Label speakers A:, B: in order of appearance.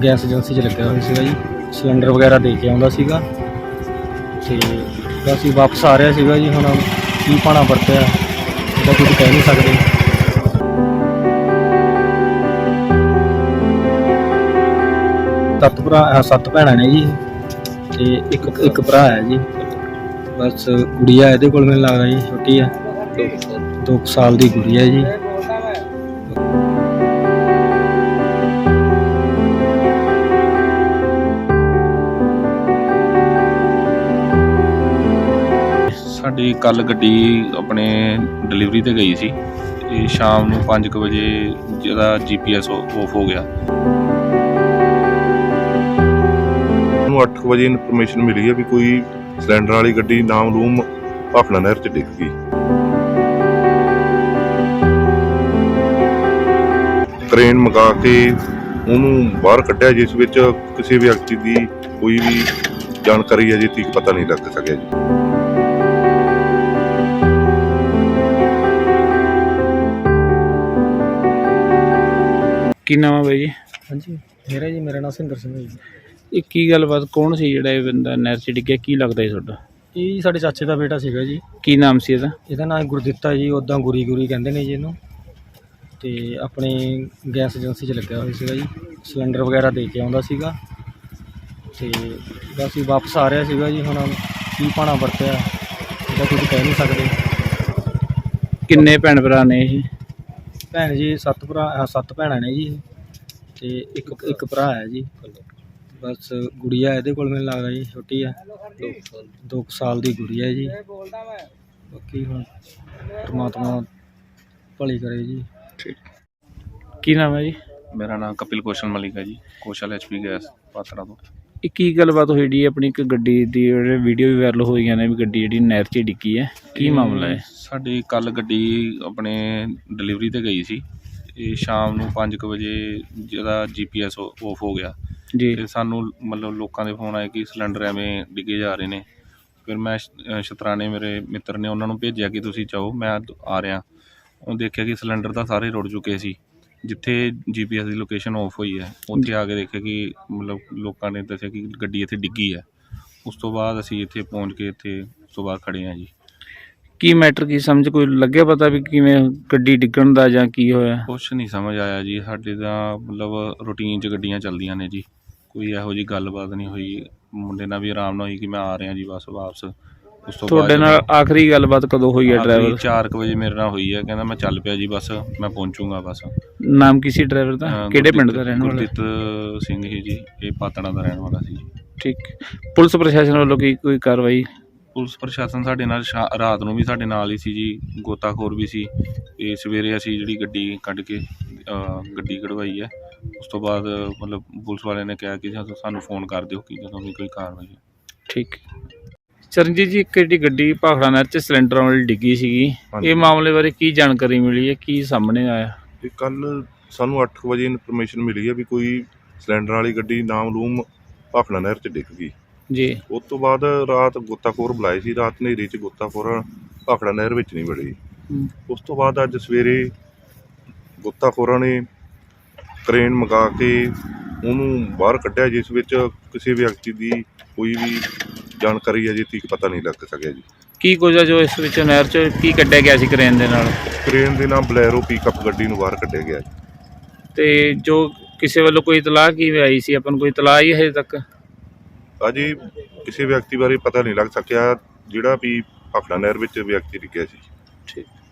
A: Gas agency 'ਚ ਲੱਗਿਆ ਹੋਇਆ ਸੀਗਾ ਜੀ। ਸਿਲੰਡਰ ਵਗੈਰਾ ਦੇ ਕੇ ਆਉਂਦਾ ਸੀਗਾ ਤੇ ਅਸੀਂ ਵਾਪਸ ਆ ਰਿਹਾ ਸੀਗਾ ਜੀ। ਹੁਣ ਕੀ ਭਾਣਾ ਵਰਤਿਆ ਇਹਦਾ ਕੁਝ ਕਹਿ ਨਹੀਂ ਸਕਦੇ। ਸੱਤ ਭੈਣਾਂ ਨੇ ਜੀ ਤੇ ਇੱਕ ਭਰਾ ਹੈ ਜੀ। ਬਸ ਗੁੜੀਆ ਇਹਦੇ ਕੋਲ ਮੈਨੂੰ ਲੱਗਦਾ ਜੀ ਛੋਟੀ ਹੈ, 2 ਸਾਲ ਦੀ ਗੁੜੀਆ ਜੀ।
B: ਸਾਡੀ ਕੱਲ ਗੱਡੀ ਆਪਣੇ ਡਿਲੀਵਰੀ ਤੇ ਗਈ ਸੀ ਤੇ ਸ਼ਾਮ ਨੂੰ 5 ਵਜੇ ਜਿਹਦਾ GPS ਆਫ ਹੋ ਗਿਆ।
C: ਨੂੰ 8 ਵਜੇ ਇਨਫੋਰਮੇਸ਼ਨ ਮਿਲੀ ਹੈ ਵੀ ਕੋਈ ਸਿਲੰਡਰ ਵਾਲੀ ਗੱਡੀ ਨਾਮਲੂਮ ਭਾਖੜਾ ਨਹਿਰ 'ਚ ਡਿੱਗ ਗਈ। ਕ੍ਰੇਨ ਮੰਗਾ ਕੇ ਉਹਨੂੰ ਬਾਹਰ ਕੱਢਿਆ, ਜਿਸ ਵਿੱਚ ਕਿਸੇ ਵਿਅਕਤੀ ਦੀ ਕੋਈ ਵੀ ਜਾਣਕਾਰੀ ਅਜੇ ਤੱਕ ਪਤਾ ਨਹੀਂ ਲੱਗ ਸਕਿਆ ਜੀ।
D: ਕੀ ਨਾਮ ਹੈ ਬਾਈ ਜੀ?
A: ਹਾਂਜੀ ਮੇਰਾ ਨਾਮ ਸਿੰਦਰ ਸਿੰਘ ਹੈ ਜੀ।
D: ਇਹ ਕੀ ਗੱਲਬਾਤ, ਕੌਣ ਸੀ ਜਿਹੜਾ ਇਹ ਬੰਦਾ ਨਹਿਰ 'ਚ ਡਿੱਗਿਆ, ਕੀ ਲੱਗਦਾ ਜੀ ਤੁਹਾਡਾ?
A: ਇਹ ਸਾਡੇ ਚਾਚੇ ਦਾ ਬੇਟਾ ਸੀਗਾ ਜੀ।
D: ਕੀ ਨਾਮ ਸੀ ਇਹਦਾ?
A: ਇਹਦਾ ਨਾਮ ਗੁਰਦਿੱਤਾ ਜੀ, ਉੱਦਾਂ ਗੁਰੀ ਕਹਿੰਦੇ ਨੇ ਜੀ ਇਹਨੂੰ। ਤੇ ਆਪਣੇ ਗੈਸ ਏਜੰਸੀ 'ਚ ਲੱਗਿਆ ਹੋਇਆ ਸੀਗਾ ਜੀ। ਸਿਲੰਡਰ ਵਗੈਰਾ ਦੇ ਕੇ ਆਉਂਦਾ ਸੀਗਾ ਤੇ ਬਸ ਅਸੀਂ ਵਾਪਸ ਆ ਰਿਹਾ ਸੀਗਾ ਜੀ। ਹੁਣ ਕੀ ਭਾਣਾ ਵਰਤਿਆ ਇਹਦਾ ਕੁਝ ਕਹਿ ਨਹੀਂ ਸਕਦੇ।
D: ਕਿੰਨੇ ਭੈਣ ਭਰਾ ਨੇ ਇਹ?
A: ਭੈਣ ਜੀ 7 ਭੈਣਾਂ ਨੇ ਜੀ ਤੇ ਇੱਕ ਭਰਾ ਹੈ ਜੀ। ਬਸ ਗੁੜੀਆ ਇਹਦੇ ਕੋਲ ਮੈਨੂੰ ਲੱਗਦਾ ਜੀ ਛੋਟੀ ਹੈ, 2 ਸਾਲ ਦੀ ਗੁੜੀਆ ਜੀ। ਬਾਕੀ ਹੁਣ ਪਰਮਾਤਮਾ ਭਲੀ ਕਰੇ ਜੀ।
D: ਠੀਕ। ਕੀ ਨਾਮ ਹੈ ਜੀ?
B: ਮੇਰਾ ਨਾਮ ਕਪਿਲ ਕੌਸ਼ਲ ਮਲਿਕ ਹੈ ਜੀ, ਕੌਸ਼ਲ HP ਗੈਸ ਪਾਤੜਾ ਤੋਂ।
D: ਇਹ ਕੀ ਗੱਲਬਾਤ ਹੋਈ ਜੀ? ਆਪਣੀ ਇੱਕ ਗੱਡੀ ਦੀ ਵੀਡੀਓ ਵੀ ਵਾਇਰਲ ਹੋਈਆਂ ਨੇ ਵੀ ਗੱਡੀ ਜਿਹੜੀ ਨਹਿਰ 'ਚ ਡਿੱਗੀ ਹੈ, ਕੀ ਮਾਮਲਾ ਹੈ?
B: ਸਾਡੀ ਕੱਲ ਗੱਡੀ ਆਪਣੇ ਡਿਲੀਵਰੀ ਤੇ ਗਈ ਸੀ ਤੇ ਸ਼ਾਮ ਨੂੰ 5 ਵਜੇ ਜਿਹਦਾ GPS ਆਫ ਹੋ ਗਿਆ
D: ਜੀ।
B: ਤੇ ਸਾਨੂੰ ਮਤਲਬ ਲੋਕਾਂ ਦੇ ਫੋਨ ਆਏ ਕਿ ਸਿਲੰਡਰ ਐਵੇਂ ਡਿੱਗੇ ਜਾ ਰਹੇ ਨੇ। ਫਿਰ ਮੈਂ ਸ਼ਤਰਾਣੇ ਮੇਰੇ ਮਿੱਤਰ ਨੇ ਉਹਨਾਂ ਨੂੰ ਭੇਜਿਆ ਕਿ ਤੁਸੀਂ ਜਾਓ, ਮੈਂ ਆ ਰਿਹਾ। ਉਹ ਦੇਖਿਆ ਕਿ ਸਿਲੰਡਰ ਤਾਂ ਸਾਰੇ ਰੁੜ ਚੁੱਕੇ ਸੀ। ਜਿੱਥੇ GPS ਦੀ ਲੋਕੇਸ਼ਨ ਆਫ ਹੋਈ ਹੈ ਉੱਥੇ ਆ ਕੇ ਦੇਖਿਆ ਕਿ ਮਤਲਬ ਲੋਕਾਂ ਨੇ ਦੱਸਿਆ ਕਿ ਗੱਡੀ ਇੱਥੇ ਡਿੱਗੀ ਹੈ। ਉਸ ਤੋਂ ਬਾਅਦ ਅਸੀਂ ਇੱਥੇ ਪਹੁੰਚ ਕੇ ਇੱਥੇ ਉਸ ਤੋਂ ਬਾਅਦ ਖੜ੍ਹੇ ਹਾਂ ਜੀ।
D: ਕੀ ਮੈਟਰ, ਕੀ ਸਮਝ ਕੋਈ ਲੱਗਿਆ ਪਤਾ ਵੀ ਕਿਵੇਂ ਗੱਡੀ ਡਿੱਗਣ ਦਾ ਜਾਂ ਕੀ ਹੋਇਆ?
B: ਕੁਛ ਨਹੀਂ ਸਮਝ ਆਇਆ ਜੀ। ਸਾਡੇ ਤਾਂ ਮਤਲਬ ਰੂਟੀਨ 'ਚ ਗੱਡੀਆਂ ਚੱਲਦੀਆਂ ਨੇ ਜੀ, ਕੋਈ ਇਹੋ ਜਿਹੀ ਗੱਲਬਾਤ ਨਹੀਂ ਹੋਈ। ਮੁੰਡੇ ਨਾਲ ਵੀ ਆਰਾਮ ਨਾਲ ਹੋਈ ਕਿ ਮੈਂ ਆ ਰਿਹਾ ਜੀ ਬਸ ਵਾਪਸ। ਉਸ ਤੋਂ
D: ਤੁਹਾਡੇ ਨਾਲ ਆਖਰੀ ਗੱਲਬਾਤ ਕਦੋਂ ਹੋਈ ਹੈ? ਡਰਾਈਵਰ
B: 4 ਵਜੇ ਮੇਰੇ ਨਾਲ ਹੋਈ ਹੈ, ਕਹਿੰਦਾ ਮੈਂ ਚੱਲ ਪਿਆ ਜੀ ਬਸ, ਮੈਂ ਪਹੁੰਚੂਗਾ ਬਸ।
D: ਨਾਮ ਕੀ ਸੀ ਡਰਾਈਵਰ ਦਾ? ਕਿਹੜੇ ਪਿੰਡ ਦਾ ਰਹਿਣ ਵਾਲਾ?
B: ਗੁਰਦੀਪ ਸਿੰਘ ਹੀ ਜੀ, ਇਹ ਪਾਤੜਾ ਦਾ ਰਹਿਣ ਵਾਲਾ ਸੀ ਜੀ।
D: ਠੀਕ। ਪੁਲਿਸ ਪ੍ਰਸ਼ਾਸਨ ਵੱਲੋਂ ਕੋਈ ਕਾਰਵਾਈ?
B: ਪੁਲਿਸ ਪ੍ਰਸ਼ਾਸਨ ਸਾਡੇ ਨਾਲ ਰਾਤ ਨੂੰ ਵੀ ਸਾਡੇ ਨਾਲ ਹੀ ਸੀ ਜੀ, ਗੋਤਾਖੋਰ ਵੀ ਸੀ। ਤੇ ਸਵੇਰੇ ਅਸੀਂ ਜਿਹੜੀ ਗੱਡੀ ਕੱਢ ਕੇ ਗੱਡੀ ਕਢਵਾਈ ਹੈ। ਉਸ ਤੋਂ ਬਾਅਦ ਮਤਲਬ ਪੁਲਿਸ ਵਾਲਿਆਂ ਨੇ ਕਿਹਾ ਕਿ ਸਾਨੂੰ ਫੋਨ ਕਰ ਦਿਓ ਕਿ ਜਦੋਂ ਵੀ ਕੋਈ ਕਾਰਵਾਈ ਹੈ।
D: ਠੀਕ। ਚਰਨਜੀਤ ਜੀ, ਇੱਕ ਜਿਹੜੀ ਗੱਡੀ ਭਾਖੜਾ ਨਹਿਰ 'ਚ ਸਿਲੰਡਰ ਵਾਲੀ ਡਿੱਗੀ ਸੀਗੀ, ਇਹ ਮਾਮਲੇ ਬਾਰੇ ਕੀ ਜਾਣਕਾਰੀ ਮਿਲੀ ਹੈ, ਕੀ ਸਾਹਮਣੇ ਆਇਆ?
C: ਇਹ ਕੱਲ ਸਾਨੂੰ 8 ਵਜੇ ਇਨਫੋਰਮੇਸ਼ਨ ਮਿਲੀ ਹੈ ਵੀ ਕੋਈ ਸਿਲੰਡਰ ਵਾਲੀ ਗੱਡੀ ਨਾਮਲੂਮ ਭਾਖੜਾ ਨਹਿਰ 'ਚ ਡਿੱਗ ਗਈ
D: ਜੀ।
C: ਉਸ ਤੋਂ ਬਾਅਦ ਰਾਤ ਗੋਤਾਖੋਰ ਬੁਲਾਏ ਸੀ। ਰਾਤ ਹਨੇਰੀ 'ਚ ਗੋਤਾਖੋਰ ਭਾਖੜਾ ਨਹਿਰ ਵਿੱਚ ਨਹੀਂ ਵੜੇ। ਉਸ ਤੋਂ ਬਾਅਦ ਅੱਜ ਸਵੇਰੇ ਗੋਤਾਖੋਰਾਂ ਨੇ ਕ੍ਰੇਨ ਮੰਗਾ ਕੇ ਉਹਨੂੰ ਬਾਹਰ ਕੱਢਿਆ, ਜਿਸ ਵਿੱਚ ਕਿਸੇ ਵਿਅਕਤੀ ਦੀ ਕੋਈ ਵੀ ਜਾਣਕਾਰੀ ਅਜੇ ਤੱਕ ਪਤਾ ਨਹੀਂ ਲੱਗ ਸਕਿਆ ਜੀ।
D: ਕੀ ਕੁਝ ਆ ਜੋ ਇਸ ਵਿੱਚ ਨਹਿਰ 'ਚ ਕੀ ਕੱਢਿਆ ਗਿਆ ਸੀ ਕ੍ਰੇਨ ਦੇ ਨਾਲ?
C: ਕ੍ਰੇਨ ਦੇ ਨਾਲ ਬਲੈਰੋ ਪਿਕਅਪ ਗੱਡੀ ਨੂੰ ਬਾਹਰ ਕੱਢਿਆ ਗਿਆ।
D: ਤੇ ਜੋ ਕਿਸੇ ਵੱਲੋਂ ਕੋਈ ਇਤਲਾਹ ਕਿਵੇਂ ਆਈ ਸੀ, ਆਪਾਂ ਨੂੰ ਕੋਈ ਇਤਲਾਹ ਹੀ ਹਜੇ ਤੱਕ?
C: ਅਜੇ ਕਿਸੇ ਵਿਅਕਤੀ ਬਾਰੇ ਪਤਾ ਨਹੀਂ ਲੱਗ ਸਕਿਆ ਜਿਹੜਾ ਵੀ ਭਾਖੜਾ ਨਹਿਰ ਵਿੱਚ ਵਿਅਕਤੀ ਡਿੱਗਿਆ ਸੀ।
D: ਠੀਕ।